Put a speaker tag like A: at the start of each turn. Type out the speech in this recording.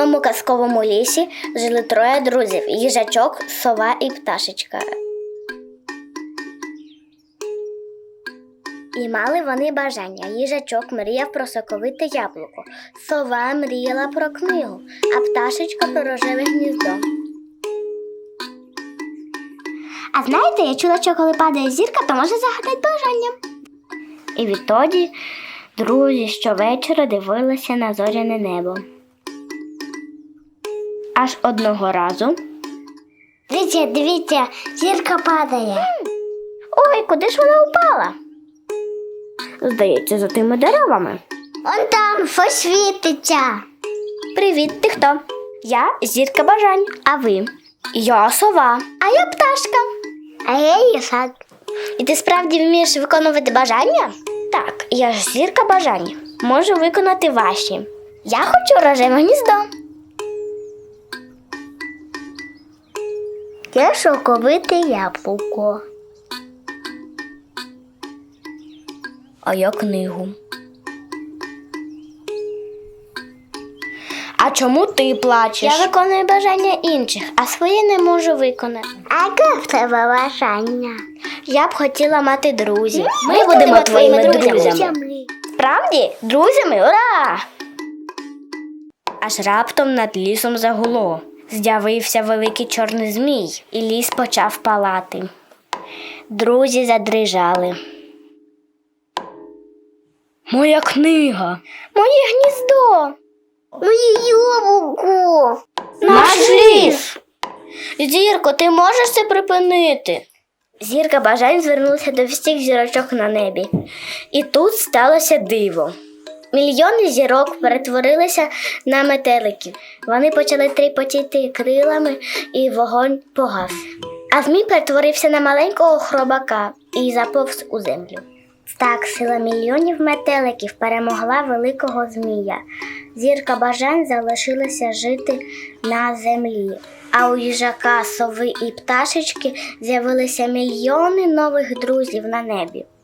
A: одному казковому лісі жили троє друзів – їжачок, сова і пташечка. І мали вони бажання. Їжачок мріяв про соковите яблуко, сова мріяла про книгу, а пташечка про рожеве гніздо. А знаєте, я чула, що коли падає зірка, то може загадати бажання. І відтоді друзі щовечора дивилися на зоряне небо. Аж одного разу. Дивіться, зірка падає. Ой, куди ж вона упала? Здається, за тими деревами. Он там щось світиться. Привіт, ти хто? Я зірка бажань, а ви? Я сова. А я пташка. А я їжак. І ти справді вмієш виконувати бажання? Так, я ж зірка бажань. Можу виконати ваші. Я хочу рожеве гніздо. Я соковите яблуко. А я книгу. А чому ти плачеш? Я виконую бажання інших, а своє не можу виконати. А яке в тебе бажання? Я б хотіла мати друзів. Ми будемо твоїми друзями. Справді? Друзями? Ура! Аж раптом над лісом загуло. З'явився великий чорний змій, і ліс почав палати. Друзі задрижали. Моя книга! Моє гніздо! Моє яблуко! Наш ліс! Зірко, ти можеш це припинити? Зірка бажань звернулася до всіх зірочок на небі. І тут сталося диво. Мільйони зірок перетворилися на метеликів. Вони почали тріпотіти крилами, і вогонь погас. А змій перетворився на маленького хробака і заповз у землю. Так, сила мільйонів метеликів перемогла великого змія. Зірка бажань залишилася жити на землі. А у їжака, сови і пташечки з'явилися мільйони нових друзів на небі.